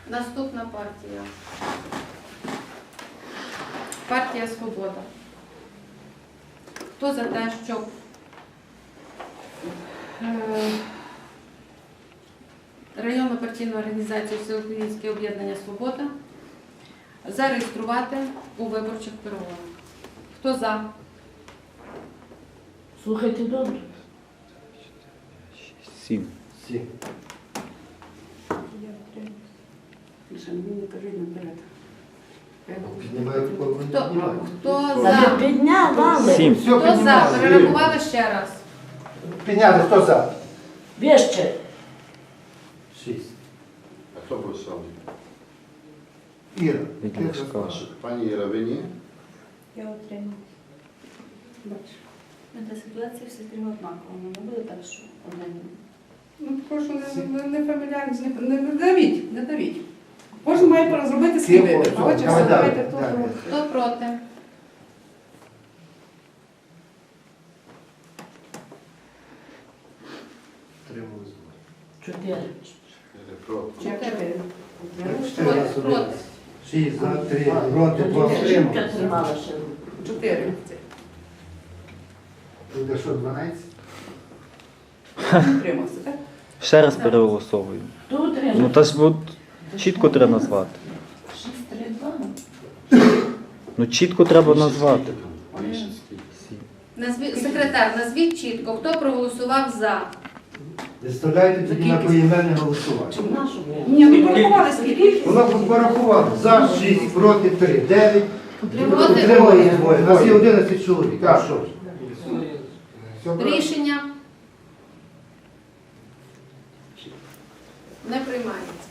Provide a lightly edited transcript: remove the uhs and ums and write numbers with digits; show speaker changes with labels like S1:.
S1: Наступна партія. Партія Свобода. Хто за те, щоб районну партійну організацію Всеукраїнське об'єднання Свобода зареєструвати у виборчих перегонах? Хто за?
S2: Слухайте добре.
S3: 7.
S1: Хто
S2: Та
S1: за?
S2: ви підняли.
S3: 7.
S1: Хто за? Перерахували ще раз.
S4: Підняли, хто за?
S2: Вище.
S4: 6.
S5: А хто пройшов?
S4: Іра.
S3: Відлішка.
S5: Пані Іра, ви ні?
S6: Я отримала. Та ситуація все стрімно однакова. Не буде так, що один.
S7: Ну, прошу, не фамільярність, не давіть, не давіть. Кожен має зробити свій вибір. Хоче, все, давайте хто проти.
S1: Хто проти?
S2: Чотири.
S5: Проти.
S1: Чотири.
S4: Чотири.
S1: Проти.
S4: 6 за 3, проти 2
S2: Жінка
S4: втрималися.
S2: тримала ще руку.
S7: 4.
S4: Буде що, 12?
S7: Утримався, так?
S3: Ще раз переголосовую.
S2: Хто утримав?
S3: Ну та ж от чітко треба назвати.
S2: 6-3-2.
S3: Ну чітко треба назвати.
S1: Секретар, назвіть чітко, хто проголосував за.
S4: Виставляйте тоді на поіменне голосування.
S2: Чи в нашу?
S7: Ні, ну порахували скільки.
S4: Воно порахувало. За 6, проти 3, 9.
S1: Проти
S4: Утримали двоє. У нас є 11 чоловік. А що ж?
S1: Рішення не приймається.